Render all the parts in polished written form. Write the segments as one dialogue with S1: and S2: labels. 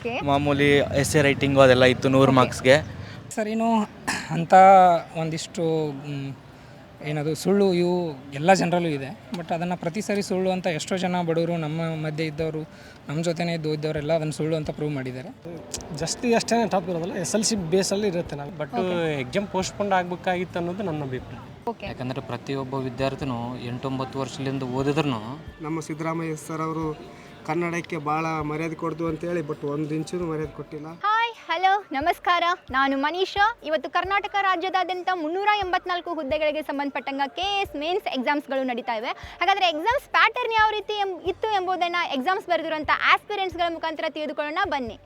S1: ಮಾಮೂಲಿ essay writing ಅದೆಲ್ಲ ಇತ್ತು 100 ಮಾರ್ಕ್ಸ್ಗೆ.
S2: ಸರಿನೂ ಅಂಥ ಒಂದಿಷ್ಟು ಏನದು ಸುಳ್ಳು ಇವು ಎಲ್ಲ ಜನರಲ್ಲೂ ಇದೆ. ಬಟ್ ಅದನ್ನು ಪ್ರತಿ ಸರಿ ಸುಳ್ಳು ಅಂತ ಎಷ್ಟೋ ಜನ ಬಡವರು ನಮ್ಮ ಮಧ್ಯೆ ಇದ್ದವರು ನಮ್ಮ ಜೊತೆನೇ ಇದ್ದವರೆಲ್ಲ ಅದನ್ನು ಸುಳ್ಳು ಅಂತ ಪ್ರೂವ್ ಮಾಡಿದ್ದಾರೆ.
S3: ಅಷ್ಟೇ ಟಾಪ್ ಇರೋದಲ್ಲ, SLC ಬೇಸಲ್ಲಿ ಇರುತ್ತೆ ನಾವು. ಬಟ್ ಎಕ್ಸಾಮ್ ಪೋಸ್ಟ್ಪೋಂಡ್ ಆಗಬೇಕಾಗಿತ್ತು ಅನ್ನೋದು ನನ್ನ ಅಭಿಪ್ರಾಯ.
S4: ಯಾಕಂದರೆ ಪ್ರತಿಯೊಬ್ಬ ವಿದ್ಯಾರ್ಥಿನೂ 8-9 ವರ್ಷದಿಂದ ಓದಿದ್ರು
S5: ನಮ್ಮ ಸಿದ್ದರಾಮಯ್ಯ ಸರ್ ಅವರು ಕನ್ನಡಕ್ಕೆ ಭಾಳ ಮರ್ಯಾದೆ ಕೊಡ್ದು ಅಂತೇಳಿ, ಬಟ್ ಒಂದು ಇಂಚೂ ಮರ್ಯಾದೆ ಕೊಟ್ಟಿಲ್ಲ.
S6: ಹಾಯ್, ಹಲೋ, ನಮಸ್ಕಾರ. ನಾನು ಮನೀಷಾ. ಇವತ್ತು ಕರ್ನಾಟಕ ರಾಜ್ಯದಾದ್ಯಂತ 384 ಹುದ್ದೆಗಳಿಗೆ ಸಂಬಂಧಪಟ್ಟಂಗೆ KS ಮೇನ್ಸ್ ಎಕ್ಸಾಮ್ಸ್ಗಳು ನಡೀತಾ ಇವೆ. ಹಾಗಾದರೆ ಎಕ್ಸಾಮ್ಸ್ ಪ್ಯಾಟರ್ನ್ ಯಾವ ರೀತಿ ಇತ್ತು ಎಂಬುದನ್ನು ಎಕ್ಸಾಮ್ಸ್ ಬರೆದಿರುವಂಥ ಆಸ್ಪಿರೆಂಟ್ಸ್ಗಳ ಮುಖಾಂತರ ತಿಳಿದುಕೊಳ್ಳೋಣ ಬನ್ನಿ.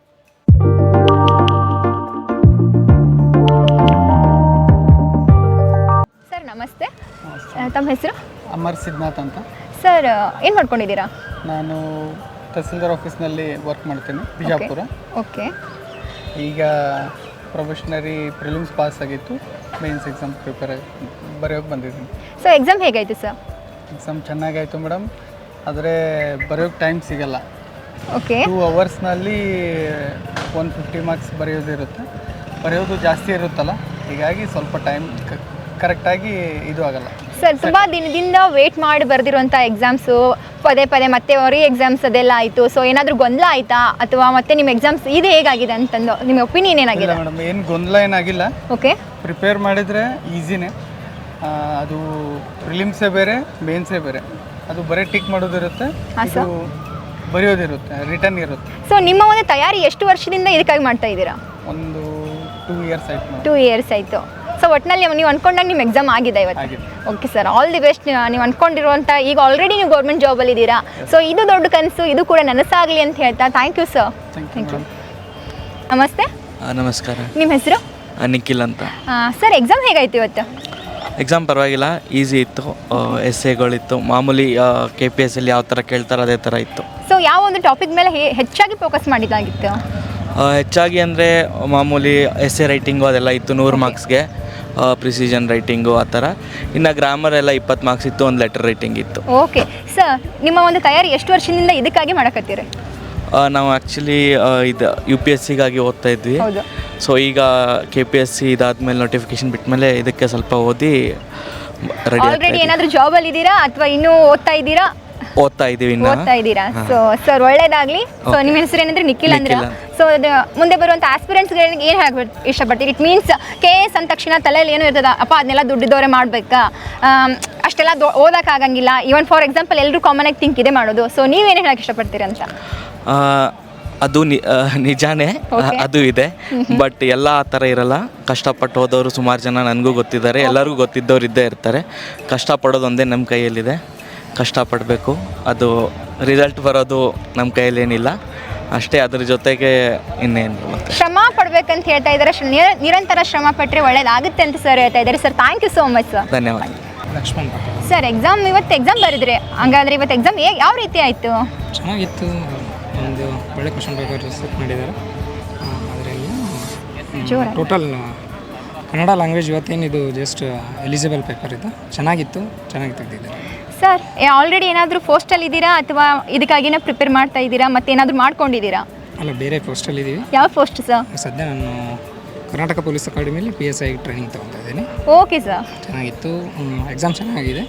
S6: ಸರ್ ನಮಸ್ತೆ, ತಮ್ಮ ಹೆಸರು?
S7: ಅಮರ್ ಸಿದ್ನಾಥ್ ಅಂತ.
S6: ಸರ್ ಏನು ಮಾಡ್ಕೊಂಡಿದ್ದೀರಾ?
S7: ನಾನು ತಹಸೀಲ್ದಾರ್ ಆಫೀಸ್ನಲ್ಲಿ ವರ್ಕ್ ಮಾಡ್ತೀನಿ, ಬಿಜಾಪುರ.
S6: ಓಕೆ.
S7: ಈಗ ಪ್ರೊಫೆಷನರಿ ಪ್ರಿಲಿಮ್ಸ್ ಪಾಸ್ ಆಗಿತ್ತು, ಮೇನ್ಸ್ ಎಕ್ಸಾಮ್ ಬರೆಯೋಕ್ಕೆ ಬಂದಿದ್ದೀನಿ.
S6: ಸೊ ಎಕ್ಸಾಮ್ ಹೇಗಾಯಿತು ಸರ್?
S7: ಎಕ್ಸಾಮ್ ಚೆನ್ನಾಗಾಯಿತು ಮೇಡಮ್, ಆದರೆ ಬರೆಯೋಕ್ಕೆ ಟೈಮ್ ಸಿಗಲ್ಲ.
S6: ಓಕೆ.
S7: 2 ಅವರ್ಸ್ನಲ್ಲಿ 150 ಮಾರ್ಕ್ಸ್ ಬರೆಯೋದಿರುತ್ತೆ. ಬರೆಯೋದು ಜಾಸ್ತಿ ಇರುತ್ತಲ್ಲ, ಹೀಗಾಗಿ ಸ್ವಲ್ಪ ಟೈಮ್ ಕರೆಕ್ಟಾಗಿ ಇದು ಆಗಲ್ಲ.
S6: ಸರ್ ತುಂಬ ದಿನದಿಂದ ವೇಟ್ ಮಾಡಿ ಬರೆದಿರುವಂಥ ಎಕ್ಸಾಮ್ಸು ಪದೇ ಮತ್ತೆ ರೀ ಎಕ್ಸಾಮ್ಸ್ ಅದೆಲ್ಲ ಆಯಿತು. ಸೊ ಏನಾದರೂ ಗೊಂದಲ ಆಯಿತಾ, ಅಥವಾ ಮತ್ತೆ ನಿಮ್ಮ ಎಕ್ಸಾಮ್ಸ್ ಇದು ಹೇಗಾಗಿದೆ ಅಂತಂದು ನಿಮ್ಮ ಒಪಿನಿಯನ್ ಏನಾಗಿದೆ?
S7: ಮೇಡಮ್ ಏನು ಗೊಂದಲ ಏನಾಗಿಲ್ಲ.
S6: ಓಕೆ.
S7: ಪ್ರಿಪೇರ್ ಮಾಡಿದರೆ ಈಸಿನೇ. ಅದು ಪ್ರಿಲಿಮ್ಸೇ ಬೇರೆ, ಮೇನ್ಸೇ ಬೇರೆ. ಅದು ಬರೀ ಟಿಕ್ ಮಾಡೋದಿರುತ್ತೆ, ಇದು ಬರೆಯೋದಿರುತ್ತೆ, ರಿಟರ್ನ್ ಇರುತ್ತೆ.
S6: ಸೊ ನಿಮ್ಮ ಒಂದು ತಯಾರಿ ಎಷ್ಟು ವರ್ಷದಿಂದ ಇದಕ್ಕಾಗಿ ಮಾಡ್ತಾ ಇದ್ದೀರಾ?
S7: ಒಂದು 2 ಇಯರ್ಸ್ ಆಯಿತು.
S6: 2 ಇಯರ್ಸ್ ಆಯಿತು. ಸೊ ಒಟ್ಟಿನಲ್ಲಿ ನೀವು ಅಂದ್ಕೊಂಡಾಗ ನಿಮ್ಮ ಎಕ್ಸಾಮ್ ಆಗಿದೆ ಇವತ್ತು? Okay sir, all the best. ನೀವು ಅಂದ್ಕೊಂಡಿರುವಂಥ ಈಗ ಆಲ್ರೆಡಿ ನೀವು ಗೌರ್ಮೆಂಟ್ ಜಾಬಲ್ಲಿ ಇದ್ದೀರಾ. ಸೊ ಇದು ದೊಡ್ಡ ಕನಸು, ಇದು ಕೂಡ ನನಸಾಗಲಿ ಅಂತ ಹೇಳ್ತಾ thank you sir. Thank you. ನಮಸ್ತೆ.
S1: ನಮಸ್ಕಾರ.
S6: ನಿಮ್ಮ ಹೆಸರು?
S1: ನಿಖಿಲ್ ಅಂತ.
S6: ಸರ್ ಎಕ್ಸಾಮ್ ಹೇಗಾಯಿತು ಇವತ್ತು?
S1: ಎಕ್ಸಾಮ್ ಪರವಾಗಿಲ್ಲ, ಈಸಿ ಇತ್ತು. ಎಸ್ಸೆಗಳಿತ್ತು, ಮಾಮೂಲಿ KPSSಲ್ಲಿ ಯಾವ ಥರ ಕೇಳ್ತಾರೆ ಅದೇ ಥರ ಇತ್ತು.
S6: ಸೊ ಯಾವ ಒಂದು ಟಾಪಿಕ್ ಮೇಲೆ ಹೆಚ್ಚಾಗಿ ಫೋಕಸ್ ಮಾಡಿದ್ದಾಗಿತ್ತು?
S1: ಹೆಚ್ಚಾಗಿ ಅಂದರೆ ಮಾಮೂಲಿ ಎಸ್ಸೆ ರೈಟಿಂಗು ಅದೆಲ್ಲ ಇತ್ತು 100 ಮಾರ್ಕ್ಸ್ಗೆ, ಪ್ರಿಸಿಷನ್ ರೈಟಿಂಗು ಆ ಥರ. ಇನ್ನು ಗ್ರಾಮರ್ ಎಲ್ಲ 20 ಮಾರ್ಕ್ಸ್ ಇತ್ತು, ಒಂದು ಲೆಟರ್ ರೈಟಿಂಗ್ ಇತ್ತು.
S6: ಓಕೆ ಸರ್, ನಿಮ್ಮ ಒಂದು ತಯಾರಿ ಎಷ್ಟು ವರ್ಷದಿಂದ ಇದಕ್ಕಾಗಿ ಮಾಡಕತ್ತೀರಿ?
S1: ನಾವು ಆ್ಯಕ್ಚುಲಿ ಇದು UPSCಗಾಗಿ ಓದ್ತಾ ಇದ್ವಿ. ಸೊ ಈಗ KPSC ಇದಾದ್ಮೇಲೆ ನೋಟಿಫಿಕೇಶನ್ ಬಿಟ್ಮೇಲೆ ಇದಕ್ಕೆ ಸ್ವಲ್ಪ ಓದಿ ರೆಡಿ.
S6: ಆಲ್ರೆಡಿ ಏನಾದರೂ ಜಾಬಲ್ಲಿ ಇದ್ದೀರಾ ಅಥವಾ ಇನ್ನೂ ಓದ್ತಾ ಇದ್ದೀರಾ?
S1: ಓದ್ತಾ ಇದ್ದೀವಿ.
S6: ಸೊ ಸರ್ ಒಳ್ಳೇದಾಗಲಿ. ಸೊ ನಿಮ್ಮ ಹೆಸರು ಏನಂದ್ರೆ ನಿಖಿಲ್ ಅಂದ್ರೆ. ಸೊ ಮುಂದೆ ಬರುವಂಥ ಆಸ್ಪಿರೆಂಟ್ಸ್ಗಳಿಗೆ ಏನು ಹೇಳಬೇಕು ಇಷ್ಟಪಡ್ತೀರಿ? ಇಟ್ ಮೀನ್ಸ್ KS ಅಂದ ತಕ್ಷಣ ತಲೆಯಲ್ಲಿ ಏನು ಇರ್ತದ, ಅಪ್ಪ ಅದನ್ನೆಲ್ಲ ದುಡ್ಡಿದ್ದವರೇ ಮಾಡಬೇಕಾ, ಅಷ್ಟೆಲ್ಲ ಓದೋಕ್ಕಾಗಂಗಿಲ್ಲ. ಈವನ್ ಫಾರ್ ಎಕ್ಸಾಂಪಲ್ ಎಲ್ಲರೂ ಕಾಮನ್ ಆಗಿ ಥಿಂಕ್ ಇದೆ ಮಾಡೋದು. ಸೊ ನೀವೇನು ಹೇಳಕ್ಕೆ ಇಷ್ಟಪಡ್ತೀರಿ ಅಂತ?
S1: ಅದು ನಿಜಾನೇ, ಅದು ಇದೆ. ಬಟ್ ಎಲ್ಲ ಆ ಥರ ಇರಲ್ಲ. ಕಷ್ಟಪಟ್ಟು ಹೋದವರು ಸುಮಾರು ಜನ ನನಗೂ ಗೊತ್ತಿದ್ದಾರೆ, ಎಲ್ಲರಿಗೂ ಗೊತ್ತಿದ್ದವ್ರು ಇದ್ದೇ ಇರ್ತಾರೆ. ಕಷ್ಟಪಡೋದು ಒಂದೇ ನಮ್ಮ ಕೈಯಲ್ಲಿದೆ, ಕಷ್ಟಪಡಬೇಕು. ಅದು ರಿಸಲ್ಟ್ ಬರೋದು ನಮ್ಮ ಕೈಯಲ್ಲೇನಿಲ್ಲ ಅಷ್ಟೇ. ಅದ್ರ ಜೊತೆಗೆ ಇನ್ನೇನು
S6: ಶ್ರಮ ಪಡ್ಬೇಕಂತ ಹೇಳ್ತಾ ಇದ್ದಾರೆ. ನಿರಂತರ ಶ್ರಮ ಪಟ್ಟರೆ ಒಳ್ಳೇದಾಗುತ್ತೆ ಅಂತ ಸರ್ ಹೇಳ್ತಾ ಇದ್ದಾರೆ. Sir thank you so much sir.
S1: ಧನ್ಯವಾದ.
S2: ಲಕ್ಷ್ಮಣ್
S6: ಸರ್ ಇವತ್ತು ಎಕ್ಸಾಮ್ ಬರೆದ್ರೆ, ಹಂಗಾದ್ರೆ ಇವತ್ತು ಎಕ್ಸಾಮ್ ಯಾವ ರೀತಿ ಆಯಿತು?
S2: ಚೆನ್ನಾಗಿತ್ತು. ಒಂದು ಒಳ್ಳೆ ಕ್ವಶನ್ ಪೇಪರ್ ಸೆಟ್ ಮಾಡಿದ್ದಾರೆ. ಅದರಲ್ಲಿ ಟೋಟಲ್ ಕನ್ನಡ ಲ್ಯಾಂಗ್ವೇಜ್ ಇವತ್ತೇನಿದು ಜಸ್ಟ್ ಎಲಿಜಿಬಲ್ ಪೇಪರ್ ಇದು. ಚೆನ್ನಾಗಿತ್ತು, ಚೆನ್ನಾಗಿ ತೆಗೆದಿದ್ದಾರೆ.
S6: ಸರ್ ಆಲ್ರೆಡಿ ಏನಾದರೂ ಪೋಸ್ಟಲ್ಲಿ ಇದ್ದೀರಾ ಅಥವಾ ಇದಕ್ಕಾಗಿನೇ ಪ್ರಿಪೇರ್ ಮಾಡ್ತಾ ಇದ್ದೀರಾ, ಮತ್ತೆ ಏನಾದರೂ ಮಾಡ್ಕೊಂಡಿದ್ದೀರಾ?
S2: ಅಲ್ಲ, ಬೇರೆ ಪೋಸ್ಟಲ್ಲಿ ಇದ್ದೀವಿ.
S6: ಯಾವ ಪೋಸ್ಟ್ ಸರ್?
S2: ಸದ್ಯ ನಾನು ಕರ್ನಾಟಕ ಪೊಲೀಸ್ ಅಕಾಡೆಮಿಯಲ್ಲಿ PSI ಟ್ರೈನಿಂಗ್ ತೊಗೊತಾ ಇದ್ದೀನಿ.
S6: Okay sir.
S2: ಚೆನ್ನಾಗಿತ್ತು, ಎಕ್ಸಾಮ್ ಚೆನ್ನಾಗಿದೆ.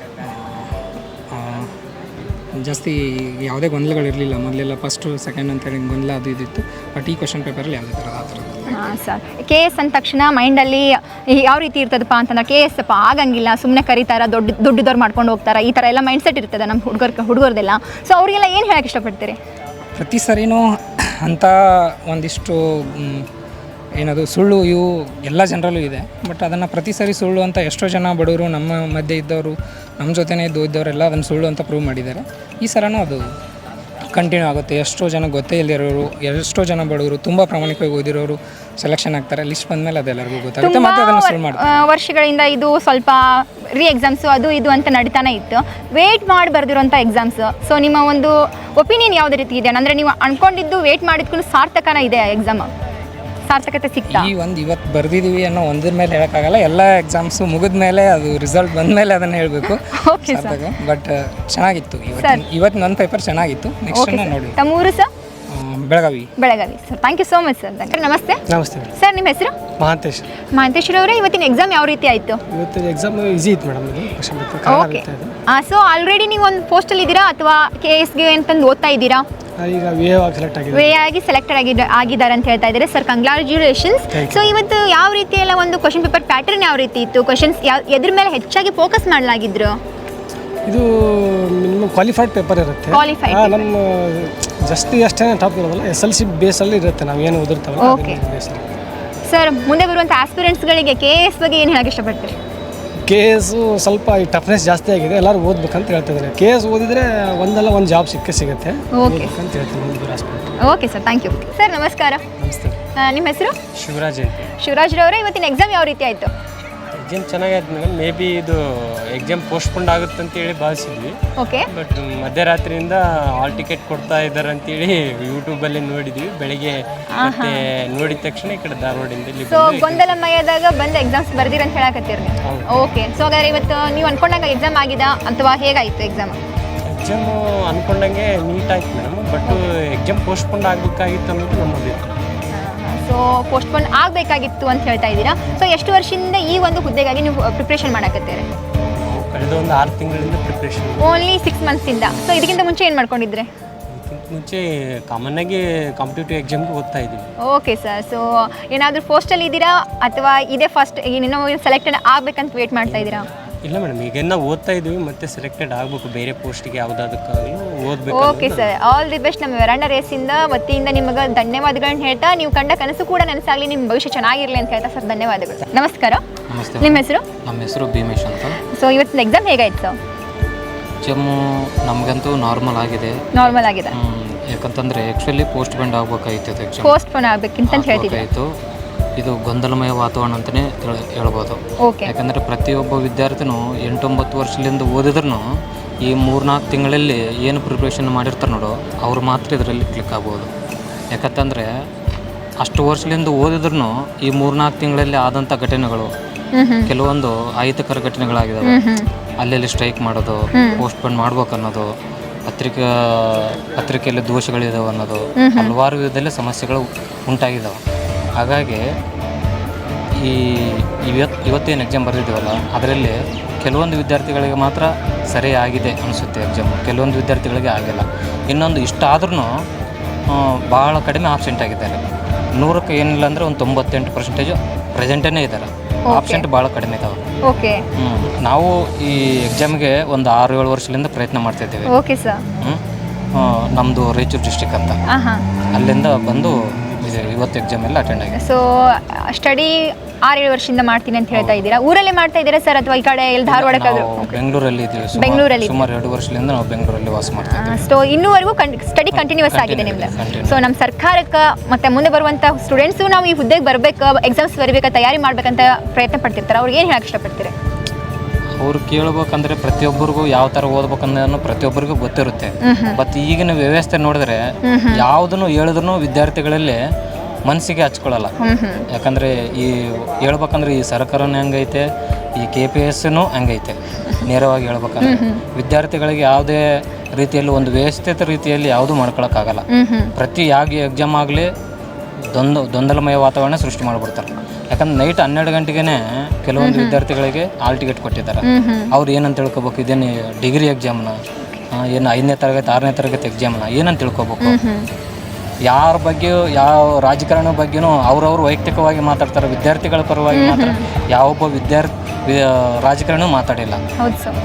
S2: ಜಾಸ್ತಿ ಯಾವುದೇ ಗೊಂದಲಗಳಿರಲಿಲ್ಲ. ಮೊದಲೆಲ್ಲ ಫಸ್ಟು ಸೆಕೆಂಡ್ ಅಂತೇಳಿ ಗೊಂದಲ ಅದು ಇದಿತ್ತು. ಬಟ್ ಈ ಕ್ವಶನ್ ಪೇಪರಲ್ಲಿ ಯಾವುದೇ ಥರದ ಆ ಥರದ್ದು.
S6: ಹಾಂ ಸರ್, KS ಅಂದ ತಕ್ಷಣ ಮೈಂಡಲ್ಲಿ ಯಾವ ರೀತಿ ಇರ್ತದಪ್ಪ ಅಂತಂದ್ರೆ KS ಅಪ್ಪ ಆಗಂಗಿಲ್ಲ, ಸುಮ್ಮನೆ ಕರೀತಾರ, ದುಡ್ಡಿದವ್ರು ಮಾಡ್ಕೊಂಡು ಹೋಗ್ತಾರೆ, ಈ ಥರ ಎಲ್ಲ ಮೈಂಡ್ಸೆಟ್ ಇರ್ತದೆ ನಮ್ಮ ಹುಡುಗರದೆಲ್ಲ. ಸೊ ಅವರಿಗೆಲ್ಲ ಏನು ಹೇಳಕ್ಕೆ ಇಷ್ಟಪಡ್ತೀರಿ?
S2: ಪ್ರತಿ ಸರಿನೂ ಅಂಥ ಒಂದಿಷ್ಟು ಏನದು ಸುಳ್ಳು ಇವು ಎಲ್ಲ ಜನರಲ್ಲೂ ಇದೆ. ಬಟ್ ಅದನ್ನು ಪ್ರತಿ ಸರಿ ಸುಳ್ಳು ಅಂತ ಎಷ್ಟೋ ಜನ ಬಡವರು ನಮ್ಮ ಮಧ್ಯೆ ಇದ್ದವರು ನಮ್ಮ ಜೊತೆನೇ ಇದ್ದವರೆಲ್ಲ ಅದನ್ನು ಸುಳ್ಳು ಅಂತ ಪ್ರೂವ್ ಮಾಡಿದ್ದಾರೆ. ಈ ಸಲನೂ ಅದು ಕಂಟಿನ್ಯೂ ಆಗುತ್ತೆ. ಎಷ್ಟೋ ಜನ ಗೊತ್ತೇ ಇಲ್ಲದಿರೋರು, ಎಷ್ಟೋ ಜನ ಬಡವರು ತುಂಬ ಪ್ರಾಮಾಣಿಕವಾಗಿ ಓದಿರೋರು ಸೆಲೆಕ್ಷನ್ ಆಗ್ತಾರೆ. ಲಿಸ್ಟ್ ಬಂದಮೇಲೆ ಅದೆಲ್ಲರಿಗೂ ಗೊತ್ತಾಗುತ್ತೆ, ಮತ್ತೆ ಅದನ್ನು ಸುಳ್ಳು ಮಾಡ್ತಾರೆ.
S6: ವರ್ಷಗಳಿಂದ ಇದು ಸ್ವಲ್ಪ ಎಕ್ಸಾಮ್ಸು ಅದು ಇದು ಅಂತ ನಡೀತಾನೆ ಇತ್ತು. ವೇಟ್ ಮಾಡಿ ಬರೆದಿರೋಂಥ ಎಕ್ಸಾಮ್ಸ್. ಸೊ ನಿಮ್ಮ ಒಂದು ಒಪಿನಿಯನ್ ಯಾವುದೇ ರೀತಿ ಇದೆ? ಅಂದರೆ ನೀವು ಅಂದ್ಕೊಂಡಿದ್ದು ವೇಟ್ ಮಾಡಿದ್ಕೊಂಡು ಸಾರ್ಥಕನ ಇದೆ ಎಕ್ಸಾಮ್? ಸಾರ್ಥಕತೆ ಸಿಗ್ತಾ?
S2: ಇವತ್ತು ಬರೆದಿದ್ದೀವಿ ಅನ್ನೋ ಒಂದ್ರ ಮೇಲೆ ಹೇಳೋಕ್ಕಾಗಲ್ಲ. ಎಲ್ಲ ಎಕ್ಸಾಮ್ಸು ಮುಗಿದ ಮೇಲೆ ಅದು ರಿಸಲ್ಟ್ ಬಂದ ಮೇಲೆ ಅದನ್ನು ಹೇಳಬೇಕು. ಬಟ್ ಚೆನ್ನಾಗಿತ್ತು ಇವತ್ತು. ನನ್ನ ಪೇಪರ್ ಚೆನ್ನಾಗಿತ್ತು. ನೆಕ್ಸ್ಟ್ ನೋಡಿ.
S6: ತಮ್ಮೂರು sir?
S2: Belagavi.
S6: Sir thank you so much sir. ನಮಸ್ತೆ
S3: ನಮಸ್ತೆ
S6: ಸರ್, ನಿಮ್ಮ ಹೆಸರು?
S3: ಮಹಾಂತೇಶ್.
S6: ಮಹಂತೇಶ್ವರವರೇ, ಇವತ್ತಿನ ಎಕ್ಸಾಮ್ ಯಾವ ರೀತಿ ಆಯಿತು?
S3: ಇವತ್ತು ಎಕ್ಸಾಮ್ ಈಸಿ ಇತ್ತು ಮೇಡಮ್. ಇದು ಕ್ವಶನ್
S6: ಓಕೆ. ಸೊ ಆಲ್ರೆಡಿ ನೀವು ಒಂದು ಪೋಸ್ಟಲ್ಲಿ ಇದ್ದೀರಾ ಅಥವಾ KSಗೆ ಅಂತಂದು ಓದ್ತಾ ಇದ್ದೀರಾ?
S3: ಈಗ ವಿ ಆಗಿ ಸೆಲೆಕ್ಟ್ ಆಗಿದೆ.
S6: ವೇ ಆಗಿ ಸೆಲೆಕ್ಟೆಡ್ ಆಗಿದ್ದಾರೆ ಅಂತ ಹೇಳ್ತಾ ಇದ್ದಾರೆ ಸರ್. ಕಂಗ್ರಾಚ್ಯುಲೇಷನ್ಸ್. ಸೊ ಇವತ್ತು ಯಾವ ರೀತಿ ಎಲ್ಲ ಒಂದು ಕ್ವಶನ್ ಪೇಪರ್ ಪ್ಯಾಟರ್ನ್ ಯಾವ ರೀತಿ ಇತ್ತು? ಕ್ವಶನ್ಸ್ ಎದ್ರ ಮೇಲೆ ಹೆಚ್ಚಾಗಿ ಫೋಕಸ್ ಮಾಡಲಾಗಿದ್ರು?
S3: ಇದು ಮಿನಿಮಮ್ ಕ್ವಾಲಿಫೈಡ್ ಪೇಪರ್ ಇರುತ್ತೆ.
S6: Qualified
S3: ನಮ್ಮ ಜಸ್ಟ್ ಅಷ್ಟೇ ಟಾಪ್ ಇರೋದಲ್ಲ, SLC ಬೇಸಲ್ಲಿ ಇರುತ್ತೆ. ನಾವು ಏನು ಓದಿರ್ತಾವಲ್ಲ
S6: Okay. ಸರ್, ಮುಂದೆ ಬರುವಂಥ ಆಸ್ಪಿರೆಂಟ್ಸ್ಗಳಿಗೆ KS ಬಗ್ಗೆ ಏನು ಹೇಳಕ್ಕೆ ಇಷ್ಟಪಡ್ತೀರಿ?
S3: KS ಸ್ವಲ್ಪ ಈ ಟಫ್ನೆಸ್ ಜಾಸ್ತಿ ಆಗಿದೆ, ಎಲ್ಲರೂ ಓದ್ಬೇಕಂತ ಹೇಳ್ತಿದ್ದಾರೆ. KS ಓದಿದ್ರೆ ಒಂದಲ್ಲ ಒಂದು ಜಾಬ್ ಸಿಗುತ್ತೆ
S6: ಓಕೆ
S3: ಅಂತ ಹೇಳ್ತೀನಿ. ಮುಂದೆ hospital.
S6: Okay sir, thank you sir. ನಮಸ್ಕಾರ.
S3: ನಮಸ್ತೆ.
S6: ನಿಮ್ಮ ಹೆಸರು?
S3: ಶಿವರಾಜ್ ಅಂತ.
S6: ಶಿವರಾಜ್ರವರೇ, ಇವತ್ತಿನ ಎಕ್ಸಾಮ್ ಯಾವ ರೀತಿ ಆಯಿತು?
S3: ಎಕ್ಸಾಮ್ ಚೆನ್ನಾಗಾಯ್ತು ಮೇಡಮ್. ಮೇ ಬಿ ಇದು ಎಕ್ಸಾಮ್ ಪೋಸ್ಟ್ಪೋಂಡ್ ಆಗುತ್ತೆ ಅಂತೇಳಿ ಭಾವಿಸಿದ್ವಿ.
S6: ಓಕೆ.
S3: ಬಟ್ ಮಧ್ಯರಾತ್ರಿಯಿಂದ ಹಾಲ್ ಟಿಕೆಟ್ ಕೊಡ್ತಾ ಇದ್ದಾರೆ ಅಂತೇಳಿ ಯೂಟ್ಯೂಬಲ್ಲಿ ನೋಡಿದ್ವಿ. ಬೆಳಿಗ್ಗೆ ಮತ್ತೆ ನೋಡಿದ ತಕ್ಷಣ ಈ ಕಡೆ ಧಾರವಾಡಿಂದ ಇಲ್ಲಿ
S6: ಸೊ ಗೊಂದಲಮಯದಾಗ ಬಂದು ಎಕ್ಸಾಮ್ಸ್ ಬರ್ದಿರ ಅಂತ ಹೇಳಕತ್ತೀರಿ ನೀವು? ಓಕೆ. ಸೊ ಹಾಗಾದ್ರೆ ಇವತ್ತು ನೀವು ಅನ್ಕೊಂಡಾಗ ಎಕ್ಸಾಮ್ ಆಗಿದಾ ಅಥವಾ ಹೇಗಾಯಿತು ಎಕ್ಸಾಮ್?
S3: ಎಕ್ಸಾಮು ಅನ್ಕೊಂಡಂಗೆ ನೀಟ್ ಆಯ್ತು ಮೇಡಮ್. ಬಟ್ ಎಕ್ಸಾಮ್ ಪೋಸ್ಟ್ಪೋಂಡ್ ಆಗಬೇಕಾಗಿತ್ತು ಅನ್ನೋದು ನಮ್ಮ ಅಭಿಪ್ರಾಯ.
S6: ಸೊ ಪೋಸ್ಟ್ಪೋನ್ ಆಗಬೇಕಾಗಿತ್ತು ಅಂತ ಹೇಳ್ತಾ ಇದ್ದೀರಾ. ಸೊ ಎಷ್ಟು ವರ್ಷದಿಂದ ಈ ಒಂದು ಹುದ್ದೆಗಾಗಿ ನೀವು ಪ್ರಿಪ್ರೇಷನ್ ಮಾಡಕತ್ತೀರಿ?
S3: ಕಳೆದ ಒಂದು 6 ತಿಂಗಳಿಂದ ಪ್ರಿಪ್ರೇಷನ್.
S6: ಓನ್ಲಿ 6 ಮಂತ್ಸಿಂದ. ಸೊ ಇದಕ್ಕಿಂತ ಮುಂಚೆ ಏನು ಮಾಡ್ಕೊಂಡಿದ್ರೆ?
S3: ಮುಂಚೆ ಕಾಮನ್ ಆಗಿ ಕಾಂಪಿಟೇಟಿವ್ ಎಕ್ಸಾಮ್ಗೆ ಓದ್ತಾ ಇದ್ದೀವಿ.
S6: Okay sir. ಸೊ ಏನಾದರೂ ಪೋಸ್ಟಲ್ಲಿ ಇದ್ದೀರಾ ಅಥವಾ ಇದೇ ಫಸ್ಟ್ ಇನ್ನೂ ಸೆಲೆಕ್ಟೆಡ್ ಆಗಬೇಕಂತ ವೇಟ್ ಮಾಡ್ತಾ ಇದ್ದೀರಾ?
S3: ಇಲ್ಲ ಮೇಡಮ್, ಈಗ ನಾವು ಓದ್ತಾ ಇದ್ದೀವಿ, ಮತ್ತೆ ಸೆಲೆಕ್ಟೆಡ್ ಆಗಬೇಕು ಬೇರೆ ಪೋಸ್ಟ್ಗೆ ಯಾವುದಾದಕ್ಕಾಗಲೂ ಓದಬೇಕು.
S6: Okay sir, all the best. ನಮ್ಮ ವೆರಾಂಡ ರೇಸಿಂದ ವತಿಯಿಂದ ನಿಮಗೆ ಧನ್ಯವಾದಗಳನ್ನ ಹೇಳ್ತಾ, ನೀವು ಕಂಡ ಕನಸು ಕೂಡ ನನಸಾಗಲಿ, ನಿಮ್ಮ ಭವಿಷ್ಯ ಚೆನ್ನಾಗಿರಲಿ ಅಂತ ಹೇಳ್ತಾ ಸರ್ ಧನ್ಯವಾದಗಳು. ನಮಸ್ಕಾರ.
S4: ನಮಸ್ತೆ.
S6: ನಿಮ್ಮ ಹೆಸರು?
S4: ನಮ್ಮ ಹೆಸರು ಭೀಮೇಶ್ ಅಂತ.
S6: ಸೊ ಇವತ್ತಿನ ಎಕ್ಸಾಮ್ ಹೇಗಾಯ್ತು ಸರ್?
S4: ಎಕ್ಸಾಮು ನಮಗಂತೂ ನಾರ್ಮಲ್ ಆಗಿದೆ.
S6: ನಾರ್ಮಲ್ ಆಗಿದೆ.
S4: ಯಾಕಂತಂದರೆ ಆ್ಯಕ್ಚುಲಿ ಪೋಸ್ಟ್ಪೋಂಡ್ ಆಗಬೇಕಾಗಿತ್ತು ಎಕ್ಸಾಮ್.
S6: ಪೋಸ್ಟ್ಪೋನ್ ಆಗಬೇಕಿಂತ ಹೇಳ್ತಿದ್ದೆ.
S4: ಆಗಬೇಕಾಯಿತು. ಇದು ಗೊಂದಲಮಯ ವಾತಾವರಣ ಅಂತಲೇ ಹೇಳ್ಬೋದು.
S6: ಓಕೆ.
S4: ಯಾಕಂದರೆ ಪ್ರತಿಯೊಬ್ಬ ವಿದ್ಯಾರ್ಥಿನೂ 8-9 ವರ್ಷದಿಂದ ಓದಿದ್ರೂ ಈ 3-4 ತಿಂಗಳಲ್ಲಿ ಏನು ಪ್ರಿಪ್ರೇಷನ್ ಮಾಡಿರ್ತಾರೆ ನೋಡು, ಅವ್ರು ಮಾತ್ರ ಇದರಲ್ಲಿ ಕ್ಲಿಕ್ ಆಗ್ಬೋದು. ಯಾಕಂತಂದರೆ ಅಷ್ಟು ವರ್ಷದಿಂದ ಓದಿದ್ರೂ ಈ 3-4 ತಿಂಗಳಲ್ಲಿ ಆದಂಥ ಘಟನೆಗಳು ಕೆಲವೊಂದು ಅಹಿತಕರ ಘಟನೆಗಳಾಗಿದ್ದಾವೆ. ಅಲ್ಲೆಲ್ಲಿ ಸ್ಟ್ರೈಕ್ ಮಾಡೋದು, ಪೋಸ್ಟ್ಪೋನ್ ಮಾಡ್ಬೇಕು ಅನ್ನೋದು, ಪತ್ರಿಕೆಯಲ್ಲಿ ದೋಷಗಳಿದಾವೆ ಅನ್ನೋದು, ಹಲವಾರು ವಿಧದಲ್ಲಿ ಸಮಸ್ಯೆಗಳು ಉಂಟಾಗಿದ್ದಾವೆ. ಹಾಗಾಗಿ ಇವತ್ತೇನು ಎಕ್ಸಾಮ್ ಬರೆದಿದ್ದೀವಲ್ಲ, ಅದರಲ್ಲಿ ಕೆಲವೊಂದು ವಿದ್ಯಾರ್ಥಿಗಳಿಗೆ ಮಾತ್ರ ಸರಿ ಆಗಿದೆ ಅನಿಸುತ್ತೆ ಎಕ್ಸಾಮು, ಕೆಲವೊಂದು ವಿದ್ಯಾರ್ಥಿಗಳಿಗೆ ಆಗಿಲ್ಲ. ಇನ್ನೊಂದು ಇಷ್ಟಾದ್ರೂ ಭಾಳ ಕಡಿಮೆ ಆಬ್ಸೆಂಟ್ ಆಗಿದ್ದಾರೆ. 100ಕ್ಕೆ ಏನಿಲ್ಲ ಅಂದರೆ ಒಂದು 98% ಪ್ರೆಸೆಂಟೇ ಇದ್ದಾರೆ. ಆಬ್ಸೆಂಟ್ ಭಾಳ ಕಡಿಮೆ ಇದ್ದಾವೆ.
S6: ಓಕೆ.
S4: ನಾವು ಈ ಎಕ್ಸಾಮ್ಗೆ ಒಂದು 6-7 ವರ್ಷದಿಂದ ಪ್ರಯತ್ನ ಮಾಡ್ತಾಯಿದ್ದೇವೆ.
S6: Okay sir.
S4: ನಮ್ಮದು ರಾಯಚೂರು ಡಿಸ್ಟಿಕ್ ಅಂತ, ಅಲ್ಲಿಂದ ಬಂದು ಇವತ್ತು ಎಕ್ಸಾಮ್ ಎಲ್ಲ ಅಟೆಂಡ್ ಆಗಿದೆ.
S6: ಸೊ ಸ್ಟಡಿ 6-7 ವರ್ಷದಿಂದ ಮಾಡ್ತೀನಿ ಅಂತ ಹೇಳ್ತಾ ಇದ್ದೀರಾ. ಊರಲ್ಲೇ ಮಾಡ್ತಾ ಇದ್ದೀರಾ ಸರ್ ಅಥವಾ ಈ ಕಡೆ ಎಲ್ಲಿ ಧಾರವಾಡಕ್ಕಾದ್ರೂ?
S4: ಬೆಂಗಳೂರಲ್ಲಿ ಇದ್ದೀವಿ.
S6: ಬೆಂಗಳೂರಲ್ಲಿ
S4: ಸುಮಾರು 2 ವರ್ಷದಿಂದ ನಾವು ಬೆಂಗಳೂರಲ್ಲಿ ವಾಸ ಮಾಡ್ತಾ ಇದ್ದೀವಿ.
S6: ಸೊ ಇನ್ನೂವರೆಗೂ ಸ್ಟಡಿ ಕಂಟಿನ್ಯೂಸ್ ಆಗಿದೆ ನಿಮ್ದು. ಸೊ ನಮ್ಮ ಸರ್ಕಾರಕ್ಕೆ ಮತ್ತು ಮುಂದೆ ಬರುವಂಥ ಸ್ಟೂಡೆಂಟ್ಸು ನಾವು ಈ ಹುದ್ದೆಗೆ ಬರಬೇಕು, ಎಕ್ಸಾಮ್ಸ್ ಬರಬೇಕು, ತಯಾರಿ ಮಾಡ್ಬೇಕಂತ ಪ್ರಯತ್ನ ಪಡ್ತಿರ್ತಾರೆ. ಅವ್ರಿಗೆ ಏನು ಹೇಳಕ್ಕೆ ಇಷ್ಟಪಡ್ತೀರಿ?
S4: ಅವ್ರು ಕೇಳ್ಬೇಕಂದ್ರೆ ಪ್ರತಿಯೊಬ್ಬರಿಗೂ ಯಾವ ಥರ ಓದ್ಬೇಕನ್ನೋದನ್ನು ಪ್ರತಿಯೊಬ್ಬರಿಗೂ ಗೊತ್ತಿರುತ್ತೆ. ಬಟ್ ಈಗಿನ ವ್ಯವಸ್ಥೆ ನೋಡಿದ್ರೆ ಯಾವುದನ್ನು ಹೇಳಿದ್ರು ವಿದ್ಯಾರ್ಥಿಗಳಲ್ಲಿ ಮನಸ್ಸಿಗೆ ಹಚ್ಕೊಳ್ಳಲ್ಲ. ಯಾಕಂದರೆ ಈ ಹೇಳ್ಬೇಕಂದ್ರೆ ಈ ಸರ್ಕಾರನೂ ಹೆಂಗೈತೆ, ಈ KPSನೂ ಹಂಗೈತೆ. ನೇರವಾಗಿ ಹೇಳ್ಬೇಕಂದ್ರೆ ವಿದ್ಯಾರ್ಥಿಗಳಿಗೆ ಯಾವುದೇ ರೀತಿಯಲ್ಲಿ ಒಂದು ವ್ಯವಸ್ಥಿತ ರೀತಿಯಲ್ಲಿ ಯಾವುದೂ ಮಾಡ್ಕೊಳಕ್ಕಾಗಲ್ಲ. ಪ್ರತಿ ಎಕ್ಸಾಮ್ ಆಗಲಿ ಗೊಂದಲಮಯ ವಾತಾವರಣ ಸೃಷ್ಟಿ ಮಾಡಿಬಿಡ್ತಾರೆ. ಯಾಕಂದ್ರೆ ನೈಟ್ 12 ಗಂಟೆಗೆ ಕೆಲವೊಂದು ವಿದ್ಯಾರ್ಥಿಗಳಿಗೆ ಹಾಲ್ ಟಿಕೆಟ್ ಕೊಟ್ಟಿದ್ದಾರೆ. ಅವ್ರು ಏನಂತ ತಿಳ್ಕೊಬೇಕು, ಇದೇನು ಡಿಗ್ರಿ ಎಕ್ಸಾಮ್ನ, ಏನು 5ನೇ ತರಗತಿ 6ನೇ ತರಗತಿ ಎಕ್ಸಾಮ್ನ ಏನಂತ ತಿಳ್ಕೊಬೇಕು. ಯಾರ ಬಗ್ಗೆ ಯಾವ ರಾಜಕಾರಣ ಬಗ್ಗೆನೂ ಅವ್ರವ್ರು ವೈಯಕ್ತಿಕವಾಗಿ ಮಾತಾಡ್ತಾರೆ. ವಿದ್ಯಾರ್ಥಿಗಳ ಪರವಾಗಿ ಮಾತ್ರ ಯಾವೊಬ್ಬ ರಾಜಕಾರಣ ಮಾತಾಡಿಲ್ಲ.
S6: ಹೌದು ಸರ್.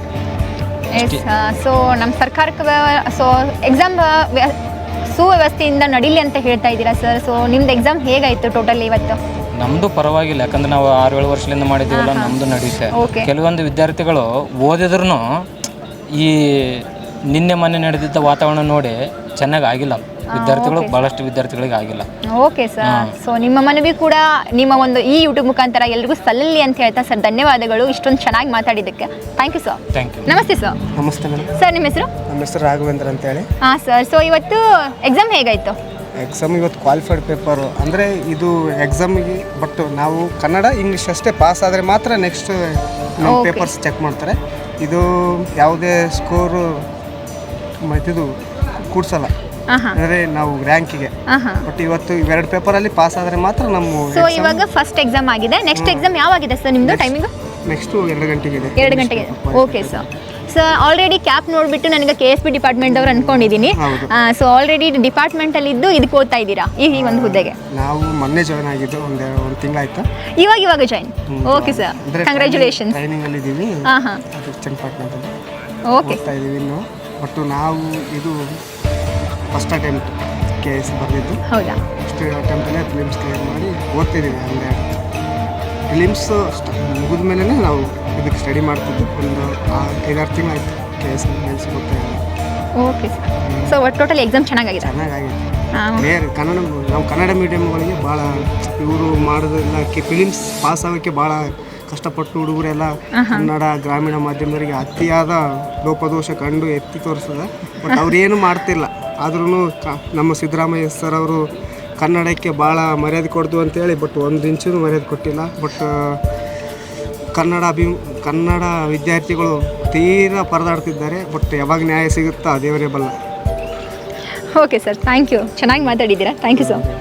S6: ಸೊ ನಮ್ಮ ಸರ್ಕಾರಕ್ಕೆ ಸೊ ಎಕ್ಸಾಮ್ ಸುವ್ಯವಸ್ಥೆಯಿಂದ ನಡೀಲಿ ಅಂತ ಹೇಳ್ತಾ ಇದ್ದೀರಾ ಸರ್. ಸೊ ನಿಮ್ದು ಎಕ್ಸಾಮ್ ಹೇಗಾಯಿತು ಟೋಟಲ್ ಇವತ್ತು?
S4: ನಮ್ಮದು ಪರವಾಗಿಲ್ಲ, ಯಾಕಂದ್ರೆ ನಾವು 6-7 ವರ್ಷದಿಂದ ಮಾಡಿದ್ದೀವಲ್ಲ, ನಮ್ಮದು ನಡೆಯುತ್ತೆ. ಕೆಲವೊಂದು ವಿದ್ಯಾರ್ಥಿಗಳು ಓದಿದ್ರೂ ಈ ನಿನ್ನೆ ಮೊನ್ನೆ ನಡೆದಿದ್ದ ವಾತಾವರಣ ನೋಡಿ ಚೆನ್ನಾಗಿ ಆಗಿಲ್ಲ. ವಿದ್ಯಾರ್ಥಿಗಳು ಭಾಳಷ್ಟು ವಿದ್ಯಾರ್ಥಿಗಳಿಗೆ ಆಗಿಲ್ಲ.
S6: Okay sir. ಸೊ ನಿಮ್ಮ ಮನವಿ ಕೂಡ ನಿಮ್ಮ ಒಂದು ಈ ಯೂಟ್ಯೂಬ್ ಮುಖಾಂತರ ಎಲ್ರಿಗೂ ಸಲ್ಲಲಿ ಅಂತ ಹೇಳ್ತಾ ಸರ್ ಧನ್ಯವಾದಗಳು ಇಷ್ಟೊಂದು ಚೆನ್ನಾಗಿ ಮಾತಾಡಿದ್ದಕ್ಕೆ. Thank you sir.
S4: Thank you.
S6: ನಮಸ್ತೆ ಸರ್.
S5: ನಮಸ್ತೆ ಮೇಡಮ್.
S6: ಸರ್ ನಿಮ್ಮ ಹೆಸರು?
S5: ನಮ್ಮ ಹೆಸರು ರಾಘವೇಂದ್ರ ಅಂತೇಳಿ.
S6: ಹಾಂ ಸರ್. ಸೊ ಇವತ್ತು ಎಕ್ಸಾಮ್ ಹೇಗಾಯಿತು?
S5: ಎಕ್ಸಾಮ್ ಇವತ್ತು ಕ್ವಾಲಿಫೈಡ್ ಪೇಪರು ಅಂದರೆ ಇದು ಎಕ್ಸಾಮಿಗೆ ಬಟ್ ನಾವು ಕನ್ನಡ ಇಂಗ್ಲೀಷ್ ಅಷ್ಟೇ ಪಾಸ್ ಆದರೆ ಮಾತ್ರ ನೆಕ್ಸ್ಟ್ ನಮ್ಮ ಪೇಪರ್ಸ್ ಚೆಕ್ ಮಾಡ್ತಾರೆ. ಇದು ಯಾವುದೇ ಸ್ಕೋರು ಇದು ಕೂಡ್ಸಲ್ಲ. ಅಂದರೆ ನಾವು ರ್ಯಾಂಕಿಗೆ. ಬಟ್ ಇವತ್ತು ಇವೆರಡು ಪೇಪರಲ್ಲಿ ಪಾಸ್ ಆದರೆ ಮಾತ್ರ ನಮ್ಮ
S6: ಸೊ ಇವಾಗ ಫಸ್ಟ್ ಎಕ್ಸಾಮ್ ಆಗಿದೆ, ನೆಕ್ಸ್ಟ್ ಎಕ್ಸಾಮ್ ಯಾವಾಗಿದೆ ಸರ್ ನಿಮ್ಮದು ಟೈಮಿಂಗ್?
S5: ನೆಕ್ಸ್ಟು 2 ಗಂಟೆಗೆ ಇದೆ.
S6: 2 ಗಂಟೆಗೆ. Okay sir. ಸರ್ ಆಲ್ರೆಡಿ ಕ್ಯಾಪ್ ನೋಡಿಬಿಟ್ಟು ನನಗೆ KSP ಡಿಪಾರ್ಟ್ಮೆಂಟ್ ಅವ್ರು ಅಂದ್ಕೊಂಡಿದ್ದೀನಿ. ಸೊ ಆಲ್ರೆಡಿ ಡಿಪಾರ್ಟ್ಮೆಂಟಲ್ಲಿ ಇದ್ದು ಇದಕ್ಕೆ ಓದ್ತಾ ಇದ್ದೀರಾ ಈ ಒಂದು ಹುದ್ದೆಗೆ?
S5: ನಾವು ಮೊನ್ನೆ ಜಾಯ್ನ್ ಆಗಿದ್ದು, ಒಂದು ತಿಂಗಳಾಯ್ತು.
S6: ಇವಾಗ ಜಾಯ್ನ್. Okay sir, congratulations.
S5: ಟ್ರೈನಿಂಗಲ್ಲಿ ಇದ್ದೀವಿ.
S6: ಹಾಂ
S5: ಅದು ಚನ್ನಪಟ್ಟಣದಲ್ಲಿ
S6: ಓಕೆ
S5: ಓದ್ತಾ ಇದ್ದೀವಿ ಇನ್ನು. ಬಟ್ ನಾವು ಇದು ಫಸ್ಟ್ ಅಟೆಂಪ್ಟ್ KS ಬರೆದಿದ್ದು.
S6: ಹೌದಾ?
S5: ಫಸ್ಟ್ ಅಟೆಂಪ್ಟಲ್ಲೇ ಫಿಲಿಮ್ಸ್ ಕ್ಲಿಯರ್ ಮಾಡಿ ಓದ್ತಿದ್ದೀವಿ. ಅಂದರೆ ಫಿಲಿಮ್ಸ್ ಮುಗಿದ ಮೇಲೆ ನಾವು ಇದಕ್ಕೆ ಸ್ಟಡಿ ಮಾಡ್ತಿದ್ದು. ಒಂದು 5-6 ತಿಂಗಳಾಯಿತು KS ಮೇಲ್ಸ್ ಓದ್ತಾ ಇದ್ದೀವಿ.
S6: Okay sir. ಸೊ ಒಟ್ಟು ಟೋಟಲ್ ಎಕ್ಸಾಮ್ ಚೆನ್ನಾಗಿದೆ?
S5: ಚೆನ್ನಾಗಾಗಿದೆ. ಬೇರೆ ನಾವು ಕನ್ನಡ ಮೀಡಿಯಮ್ಗಳಿಗೆ ಭಾಳ ಇವರು ಮಾಡೋದೆಲ್ಲ ಫಿಲಿಮ್ಸ್ ಪಾಸ್ ಆಗೋಕ್ಕೆ ಭಾಳ ಕಷ್ಟಪಟ್ಟು ಹುಡುಗರೆಲ್ಲ ಕನ್ನಡ ಗ್ರಾಮೀಣ ಮಾಧ್ಯಮದವರಿಗೆ ಅತಿಯಾದ ಲೋಪದೋಷ ಕಂಡು ಎತ್ತಿ ತೋರಿಸ್ತದೆ. ಬಟ್ ಅವ್ರೇನು ಮಾಡ್ತಿಲ್ಲ. ಆದ್ರೂ ನಮ್ಮ ಸಿದ್ದರಾಮಯ್ಯ ಸರ್ ಅವರು ಕನ್ನಡಕ್ಕೆ ಭಾಳ ಮರ್ಯಾದೆ ಕೊಡ್ದು ಅಂತೇಳಿ, ಬಟ್ 1 ಇಂಚೂ ಮರ್ಯಾದೆ ಕೊಟ್ಟಿಲ್ಲ. ಬಟ್ ಕನ್ನಡ ವಿದ್ಯಾರ್ಥಿಗಳು ತೀರಾ ಪರದಾಡ್ತಿದ್ದಾರೆ. ಬಟ್ ಯಾವಾಗ ನ್ಯಾಯ ಸಿಗುತ್ತಾ ದೇವರೇ ಬಲ್ಲ.
S6: Okay sir, thank you. ಚೆನ್ನಾಗಿ ಮಾತಾಡಿದ್ದೀರಾ. Thank you sir.